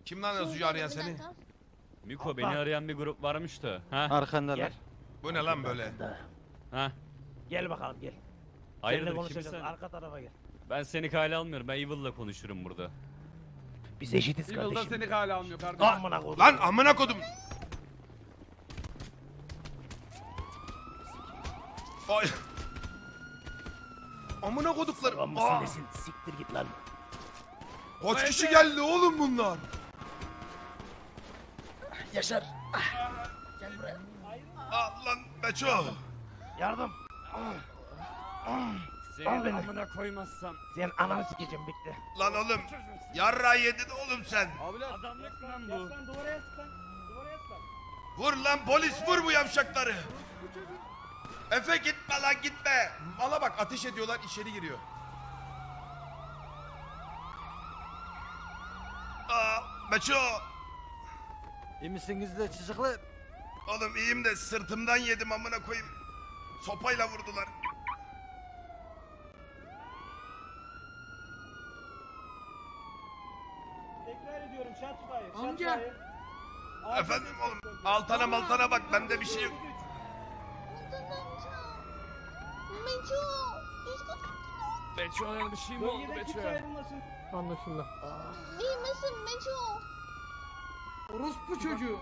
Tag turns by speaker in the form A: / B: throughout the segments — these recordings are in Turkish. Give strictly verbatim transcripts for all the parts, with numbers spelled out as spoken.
A: Kim lan yazıyor arayan seni?
B: Miko beni arayan bir grup varmış da. Ha?
C: Arkandalar.
D: Gel.
A: Bu ne lan böyle?
B: Ha?
D: Gel bakalım gel.
B: Hayırdır
D: Seninle konuşacağız.
B: kimsin?
D: Arka tarafa gel.
B: Ben seni kale almıyorum. Ben Evil'la konuşurum burada.
D: Biz eşitiz
E: Yılda
D: kardeşim.
E: seni kale almıyor kardeşim.
D: Amına koydum.
A: Lan amına kodum. Ay. Amına koduklarım.
D: Lan
A: Aa,
D: mısın nesin? Siktir git lan.
A: kaç kişi geldi oğlum bunlar?
D: Yaşar. Gel buraya.
A: Aa, lan Beço.
D: Yardım.
B: Seni
D: Al beni.
B: amına koymazsam.
D: Sen ananı sikeceğim bekle.
A: Lan oğlum. Yarra yedin oğlum sen.
E: Abiler.
B: Adamlık lan bu.
E: Yaslan duvara yaslan. Duvara yaslan.
A: Vur lan polis vur bu yavşakları. Efe gitme lan gitme. Mala bak ateş ediyorlar içeri giriyor. Aa, Beço.
C: İyi misiniz de çocuklar?
A: Oğlum iyiyim de sırtımdan yedim amına koyayım. Sopayla vurdular.
E: Tekrar ediyorum shot fire. Shot
F: Amca.
E: fire.
A: Efendim oğlum altana maltana bak bende bir şey yok.
G: Meço.
B: Beço'ya bir şey mi oldu
E: Bölgeden kimse
B: Beço'ya?
E: ayrılmasın.
F: Anlaşıldı.
G: İyi misin Meço?
F: Orospu çocuğu.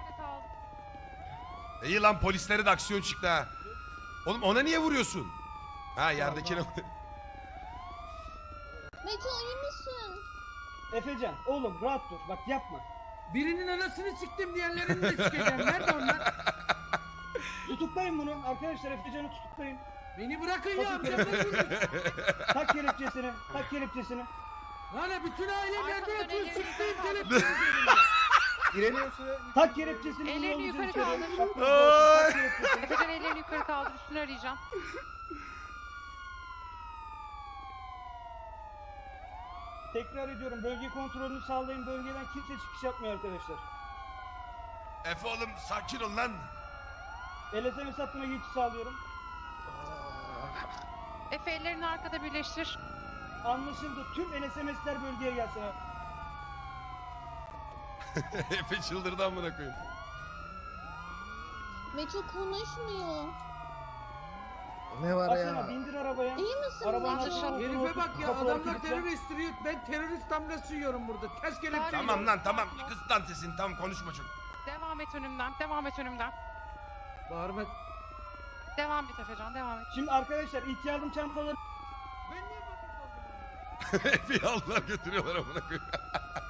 A: İyi lan polisleri de aksiyon çıktı ha. Oğlum ona niye vuruyorsun? Ha yerdekine.
G: Meço iyi misin?
E: Efecan oğlum rahat dur bak yapma.
F: Birinin anasını siktim diyenlerini de sikeceğim. Nerede onlar?
E: Tutuklayın bunu arkadaşlar Efecan'ı tutuklayın.
F: Beni bırakın ya.
E: Bakın
F: amca, bırakın.
E: Tak kelepçesini tak kelepçesini.
F: Lan bütün ailem nerede yatıyor? Siktiğim
E: Tak kelepçesini.
H: Ellerini
E: bunu
H: yukarı
E: içeri.
H: kaldır.
E: Bak,
A: Ay.
E: tak kelepçesini.
H: Efecan ellerini yukarı kaldır, üstünü arayacağım.
E: Tekrar ediyorum bölge kontrolünü sağlayın, bölgeden kimse çıkış yapmıyor arkadaşlar.
A: Efe oğlum sakin ol lan.
E: L S M S hattına geçiş sağlıyorum.
H: Efe ellerini arkada birleştir.
E: Anlaşıldı. Tüm L S M S'ler bölgeye gelsin.
A: Efe çıldırdı amına koyayım.
G: Meço konuşmuyor.
C: Ne var
E: Asena
C: ya?
E: bindir arabaya.
G: İyi misin
E: Arabanın
G: Meço?
E: altına otur,
F: Herife
E: otur,
F: bak ya,
E: kapıları
F: adamlar
E: kilitle.
F: terörist diyor. Ben terörist damgası yiyorum burada. Ters kelepçe.
A: Tamam lan tamam kız lan sesini tamam konuşma çok.
H: Devam et önümden, devam et önümden.
F: Bağırma.
H: Devam et Efecan, devam et.
E: Şimdi arkadaşlar ilk yardım çantaları
F: Ben niye bakayım?
A: Efe'yi aldılar götürüyorlar amına koyayım.